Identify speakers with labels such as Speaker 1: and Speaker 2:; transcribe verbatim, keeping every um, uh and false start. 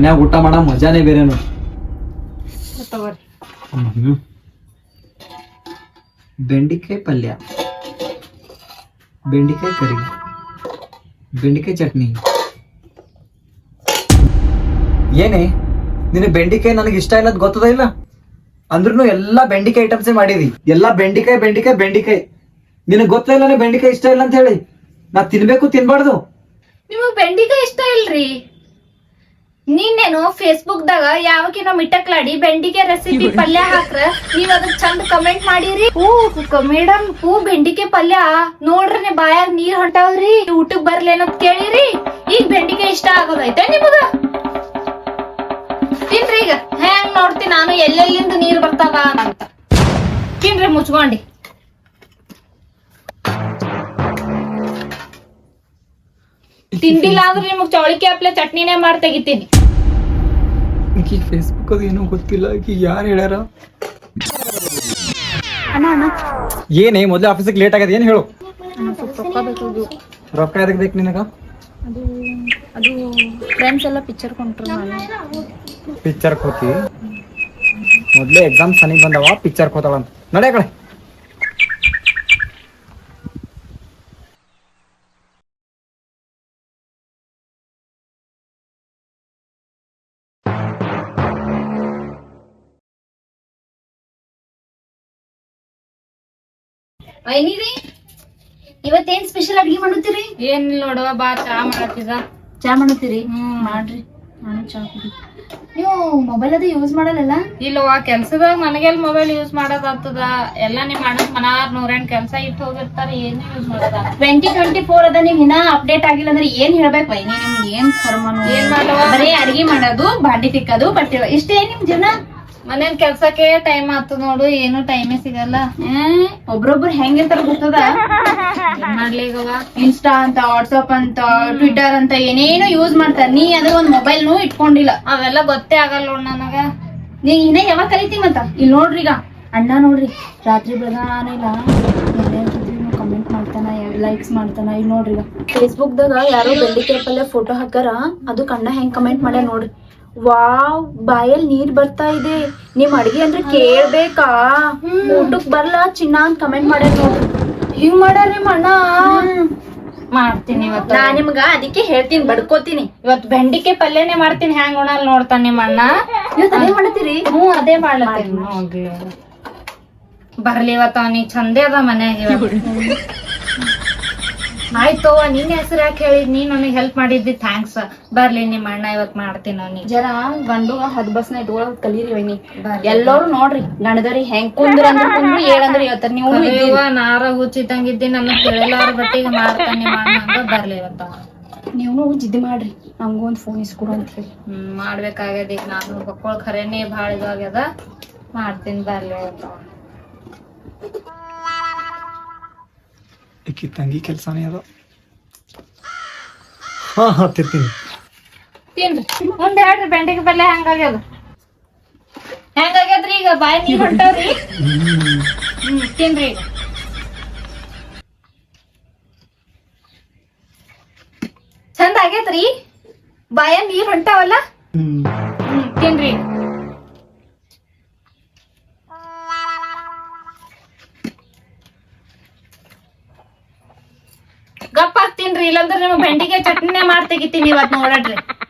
Speaker 1: ಮನ್ಯಾಗ ಊಟ ಮಾಡೋ ಮಜಾನೇ ಬೇರೆನು. ಹ್ಮ್ ಬೆಂಡಿಕಾಯಿ ಪಲ್ಯ, ಬೆಂಡಿಕಾಯಿ ಕರಿ, ಬೆಂಡಿಕಾಯಿ ಚಟ್ನಿ. ಏನೇ ನಿನಗೆ ಬೆಂಡಿಕಾಯಿ ನನಗೆ ಇಷ್ಟ ಇಲ್ಲ ಗೊತ್ತದ ಇಲ್ಲ? ಅಂದ್ರೂ ಎಲ್ಲಾ ಬೆಂಡಿಕಾಯಿ ಐಟಮ್ಸೇ ಮಾಡಿದಿ. ಎಲ್ಲಾ ಬೆಂಡಿಕಾಯಿ ಬೆಂಡಿಕಾಯಿ ಬೆಂಡಿಕಾಯಿ. ನಿನಗೆ ಗೊತ್ತ ಇಲ್ಲ ಬೆಂಡಿಕಾಯಿ ಇಷ್ಟ ಇಲ್ಲ ಅಂತ ಹೇಳಿ. ನಾ ತಿನ್ಬೇಕು ತಿನ್ಬಾರ್ದು.
Speaker 2: ನಿಮಗ್ ಬೆಂಡಿಕಾಯಿ ಇಷ್ಟ ಇಲ್ರಿ? ನೀನೇನು ಫೇಸ್ಬುಕ್ ದಾಗ ಯಾವಕಿನ ಮಿಟ್ಟಕ್ಲಾಡಿ ಬೆಂಡಿಕಾಯಿ ರೆಸಿಪಿ ಪಲ್ಯ ಹಾಕ್ರ ನೀವ್ ಅದಕ್ ಚಂದ ಕಮೆಂಟ್ ಮಾಡಿರಿ. ಹೂ ಮೇಡಮ್ ಹೂ ಬೆಂಡಿಕಾಯಿ ಪಲ್ಯ ನೋಡ್ರಿ ಬಾಯಾಗ ನೀರ್ ಹೊಂಟಾವ್ರಿ, ಊಟಕ್ ಬರ್ಲೇನಂತ ಕೇಳಿರಿ. ಈಗ ಬೆಂಡಿಕಾಯಿ ಇಷ್ಟ ಆಗೋದೈತೆ ನಿಮಗ? ತಿನ್ರಿ ಈಗ ಹೆಂಗ್ ನೋಡ್ತಿ ನಾನು ಎಲ್ಲೆಲ್ಲಿಂದ ನೀರ್ ಬರ್ತಾವ ಅಂತ. ತಿನ್ರಿ ಮುಚ್ಕೊಂಡಿ. ತಿಂದಿಲ್ಲ ಅಂದ್ರೆ ನಿಮಗ್ ಚೌಳಿಕೆ ಹಪ್ಲೆ ಚಟ್ನಿನೇ ಮಾಡಿ ತೆಗಿತೀನಿ.
Speaker 1: ಈಗ ಫೇಸ್ಬುಕ್ ಅದು ಏನೋ ಗೊತ್ತಿಲ್ಲ. ಈಗ ಯಾರು ಹೇಳ್ಯಾರ?
Speaker 2: ಅಣ್ಣ ಅಣ್ಣ
Speaker 1: ಏನೇ ಮೊದ್ಲು ಆಫೀಸಿಗೆ ಲೇಟ್ ಆಗದ ಏನ್ ಹೇಳು?
Speaker 2: ರೊಕ್ಕ ಬೇಕು.
Speaker 1: ರೊಕ್ಕ ಎದಕ್ ಬೇಕು ನಿನಗ?
Speaker 2: ಅದು ಅದು ಫ್ರೆಂಡ್ಸ್ ಎಲ್ಲ ಪಿಕ್ಚರ್ ಕೊಂಡ್ರು. ನಾನು
Speaker 1: ಪಿಕ್ಚರ್ ಹೋತಿ ಮೊದ್ಲೇ ಎಕ್ಸಾಮ್ ಸನಿ ಬಂದವ, ಪಿಕ್ಚರ್ ಹೋತಾಳ ಅಂತ ನಡೆ ಕಡೆ.
Speaker 2: ವೈನಿರಿ ಇವತ್ತೇನ್ ಸ್ಪೆಷಲ್ ಅಡ್ಗೆ ಮಾಡುತ್ತೀರಿ? ಏನಿಲ್ಲ ನೋಡುವ ಬಾ ಚಾ ಮಾಡತ್ತಿದ. ಚಾ ಮಾಡುತ್ತೀರಿ? ಹ್ಮ್ ಮಾಡ್ರಿ. ನಾನು ಚಾ ಕುಡಿ. ನೀವು ಮೊಬೈಲ್ ಅದು ಯೂಸ್ ಮಾಡಲ್ಲ? ಇಲ್ಲವಾ ಕೆಲ್ಸದಾಗ ನನಗೆಲ್ ಮೊಬೈಲ್ ಯೂಸ್ ಮಾಡೋದಾಗ್ತದ. ಎಲ್ಲ ನಿಮ್ ಅಣ್ಣನ ಮನಾರ್ ನೂರೆಂಟ್ ಕೆಲ್ಸ ಇಟ್ಟು ಹೋಗಿರ್ತಾರೆ, ಏನು ಯೂಸ್ ಮಾಡೋದ. ಟ್ವೆಂಟಿ ಟ್ವೆಂಟಿ ಫೋರ್ ಅದ, ನೀವ್ ಇನ್ನ ಅಪ್ಡೇಟ್ ಆಗಿಲ್ಲ ಅಂದ್ರೆ ಏನ್ ಹೇಳ್ಬೇಕು ವೈನಿ? ನಿಮ್ಗೆ ಏನ್ ಕರ್ಮನು ಏನ್ ಮಾಡವ? ಬರೀ ಅಡ್ಗೆ ಮಾಡೋದು, ಬಾಂಡಿ ತಿಕ್ಕೋದು, ಬಟ್ಟೆ ಇಷ್ಟೇ ನಿಮ್ ಜೀವನ. ಮನೇನ್ ಕೆಲ್ಸಕ್ಕೆ ಟೈಮ್ ಆತು ನೋಡು, ಏನು ಟೈಮೇ ಸಿಗಲ್ಲ. ಒಬ್ರೊಬ್ರು ಹೆಂಗಿರ್ತಾರ ಗೊತ್ತದ? ಮಾಡ್ಲಿಗವ ಇನ್ಸ್ಟಾ ಅಂತ, ವಾಟ್ಸಪ್ ಅಂತ, ಟ್ವಿಟರ್ ಅಂತ ಏನೇನು ಯೂಸ್ ಮಾಡ್ತಾರ. ನೀ ಅದ್ರ ಒಂದ್ ಮೊಬೈಲ್ ನು ಇಟ್ಕೊಂಡಿಲ್ಲ. ಅವೆಲ್ಲ ಗೊತ್ತೇ ಆಗಲ್ಲ ನೋಡ್ ನನಗ. ನೀ ಇನ್ನ ಯಾವಾಗ ಕಲಿತಿ ಮತ್ತ? ಇಲ್ಲಿ ನೋಡ್ರಿ ಈಗ ಅಣ್ಣ ನೋಡ್ರಿ ರಾತ್ರಿ ಬೆಳಗಾನ ಇಲ್ಲ ಕಮೆಂಟ್ ಮಾಡ್ತಾನ, ಲೈಕ್ಸ್ ಮಾಡ್ತಾನ. ಇಲ್ಲಿ ನೋಡ್ರಿ ಈಗ ಫೇಸ್ಬುಕ್ ದಾಗ ಯಾರೋ ಬೆಂಡಿಕಾಯಿ ಪಲ್ಯ ಫೋಟೋ ಹಾಕಾರ, ಅದು ಅಣ್ಣ ಹೆಂಗ್ ಕಮೆಂಟ್ ಮಾಡ್ಯಾರ ನೋಡ್ರಿ. ವಾವ್ ಬಾಯಲ್ಲಿ ನೀರ್ ಬರ್ತಾ ಇದೆ, ನಿಮ್ ಅಡ್ಗೆ ಅಂದ್ರೆ ಕೇಳ್ಬೇಕಾ, ಊಟಕ್ ಬರ್ಲಾ ಚಿನ್ನ ಅಂತ ಕಮೆಂಟ್ ಮಾಡ್ಯಾರ ನೋಡ್ರಿ. ಹಿಂಗ್ ಮಾಡ್ಯಾರ ನಿಮ್ ಅಣ್ಣ. ಮಾಡ್ತೀನಿ ಇವತ್ತು ನಾ ನಿಮ್ಗ ಅದಕ್ಕೆ ಹೇಳ್ತೀನಿ, ಬಡ್ಕೋತೀನಿ. ಇವತ್ತು ಬೆಂಡಿಕಾಯಿ ಪಲ್ಯನೇ ಮಾಡ್ತೀನಿ. ಹ್ಯಾಂಗ್ ಉಣಲ್ ನೋಡ್ತಾನ ನಿಮ್ ಅಣ್ಣ. ಇವತ್ತು ಅದೇ ಮಾಡ್ತೀರಿ? ಹ್ಮ್ ಅದೇ ಮಾಡ್ಲತ್ತೀನಿ. ಬರ್ಲಿ ಇವತ್ತು ಅವನಿಗೆ ಚಂದೇ ಅದ ಮನ್ಯಾಗ. ಆಯ್ತು ನಿನ್ ಹೆಸರು ಯಾಕೆ ಹೇಳಿದ್? ನೀನ್ ನನಗೆ ಹೆಲ್ಪ್ ಮಾಡಿದ್ದಿ, ಥ್ಯಾಂಕ್ಸ್. ಬರ್ಲಿ ನಿಮ್ ಅಣ್ಣ ಇವತ್ ಮಾಡ್ತೀನಿ ಅವನಿಗೆ. ಜನ ಗಂಡು ಹದ್ ಬಸ್ನ ಇಟ್ಕೊಳಕ್ ಕಲೀರಿ ವೈನಿ. ಎಲ್ಲರೂ ನೋಡ್ರಿ ಗಣದರಿ ಹೆಂಗ್ ಕುಂದ್ರ ಅಂದ್ರೆ ಕುಂದ್ರು, ಏಳಂದ್ರೆ ಹೇಳ್ತಾರ. ನೀವು ನಾರ ಹುಚ್ಚಿದಂಗಿದ್ದಿ, ನನ್ನ ತಿಳಿಲಾರ ಬಟ್ಟಿಗೆ ಮಾಡ್ತಾನೆ ನಿಮ್ಮ ಅಣ್ಣ ಅಂತ. ಬರ್ಲಿ ಇವತ್ತ ನೀವು ಜಿದ್ದಿ ಮಾಡ್ರಿ, ನಂಗೂ ಒಂದ್ ಫೋನ್ ಇಸ್ಕೊಡು ಅಂತ ಹೇಳಿ. ಹ್ಮ್ ಮಾಡ್ಬೇಕಾಗ್ಯದ. ಈಗ ನಾನು ಮಕ್ಕಳು ಖರೇನೆ ಭಾಳ ಇದಾಗ್ಯದ, ಮಾಡ್ತೀನಿ. ಬರ್ಲಿ ಇವತ್ತ.
Speaker 1: ಈಕಿ ತಂಗಿ ಕೆಲ್ಸಾನೇ ಅದ. ಹಾ ಹಾ ತಿರ್ತೀನಿ.
Speaker 2: ತಿನ್ರಿ ಮುಂದೆ ಹೇಳ್ರಿ ಬೆಂಡಿಕಾಯಿ ಪಲ್ಯ ಹೆಂಗಾಗ್ಯದ? ಹೆಂಗಾಗ್ಯದ್ರಿ? ಈಗ ಬಾಯಿ ನೀರ್ ಹೊಂಟಾವ್ರಿ. ಹ್ಮ್ ತಿನ್ರಿ ಈಗ. ಚಂದ ಆಗೇತ್ರಿ? ಬಾಯ ನೀರ್ ಹೊಂಟಾವಲ್ಲ? ಹ್ಮ್ ತಿನ್ರಿ. ಗಪ್ಪ ತಿನ್ರಿ, ಇಲ್ಲಾಂದ್ರೆ ನಿಮ್ಗೆ ಬೆಂಡಿಕಾಯಿ ಚಟ್ನಿನೇ ಮಾಡಿ ತೆಗಿತೀನಿ ಇವತ್ತು ನೋಡ್ರಿ.